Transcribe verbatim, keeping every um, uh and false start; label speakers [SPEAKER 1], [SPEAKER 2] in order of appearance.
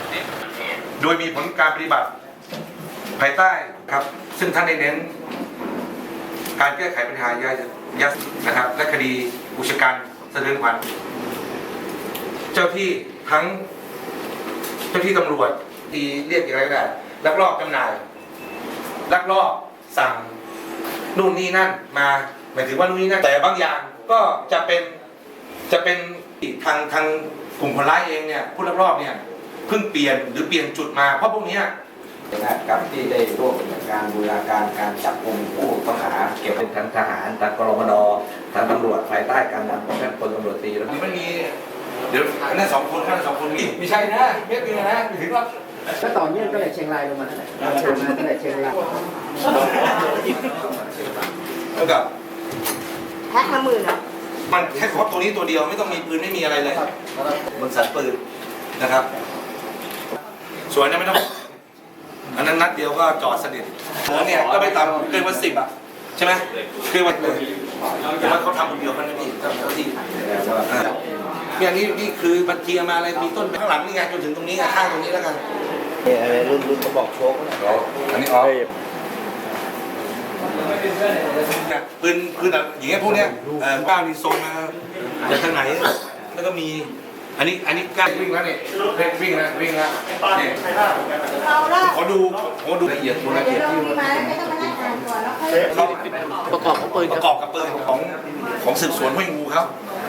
[SPEAKER 1] โดยมีผลการปฏิบัติภายใต้ครับซึ่งท่านได้เน้นการแก้ไขปัญหายาเสพติดนะครับและคดีอุกชะกันสะเทือนขวัญเจ้าที่ทั้งเจ้าที่ตำรวจที่เรียกอย่างไรก็ได้ลักลอบจำหน่ายลักลอบสั่งนู่นนี่นั่นมาหมายถึงว่านู่นนี่นั่นแต่บางอย่างก็จะเป็นจะเป็นทางทางกลุ่มคนร้ายเองเนี่ยผู้ลักลอบเนี่ยเพิ่งเปลี่ยนหรือเปลี่ยนจุดมาเพราะพวกนี้
[SPEAKER 2] กับที่ได้ร่วมกับการบูรณาการการจับกุมผู้ต้องหาเกี่ยวกับทั้งทหารทั้งกรมนทั้งตำรวจภายใต้การนำของท่านพลตำรวจตรีแล้ว
[SPEAKER 1] มันมีเดี๋ยวนั่นสองคนนั่นสองคนมีไม่ใช่นะเม็ดนึงนะไม่ถึงหรอก
[SPEAKER 2] ก็ต่อเนื่องตั้งแต่เชียงรายลงมาตั้งแต่ตั้งแต่เชียงราย
[SPEAKER 1] แล้วกับ
[SPEAKER 3] แพ็คละหมื่นอ่ะ
[SPEAKER 1] มันแค่ครบตัวนี้ตัวเดียวไม่ต้องมีปืนไม่มีอะไรเลยมันสัตว์ปืนนะครับส่วนนั้นไม่ต้องอันนั้นนัดเดียวก็จอดสนิทหัวเนี่ยก็ไม่ต่ำเกินวันสิบอ่ะใช่ไหมเกินวันเลยแต่ว่าเขาทำคนเดียวกันนะพี่เจ้าที่เนี่ยนี่นี่คือบัญชีมาอะไรมีต้นข้างหลังนี่ไงจนถึงตรงนี้ไงข้างตรงนี้แล้วกัน
[SPEAKER 2] อะไรรุ่นรุ่นเขาบอกโชค
[SPEAKER 1] นะอันนี้อ๋อปืนปืนแบบอย่างเงี้ยพวกเนี้ยก้าวนี่ทรงมาจากทางไหนแล้วก็มีอันนี้อันนี้กล้าวิ่งแล้วเนี่ยวิ่งแล้ววิ่งแล้วเนี่ยขอดูขอดูละเอียดละเอียดที่เขาประกอบกับปืนประกอบกับปืนของของสืบสวนห้วยงูครับ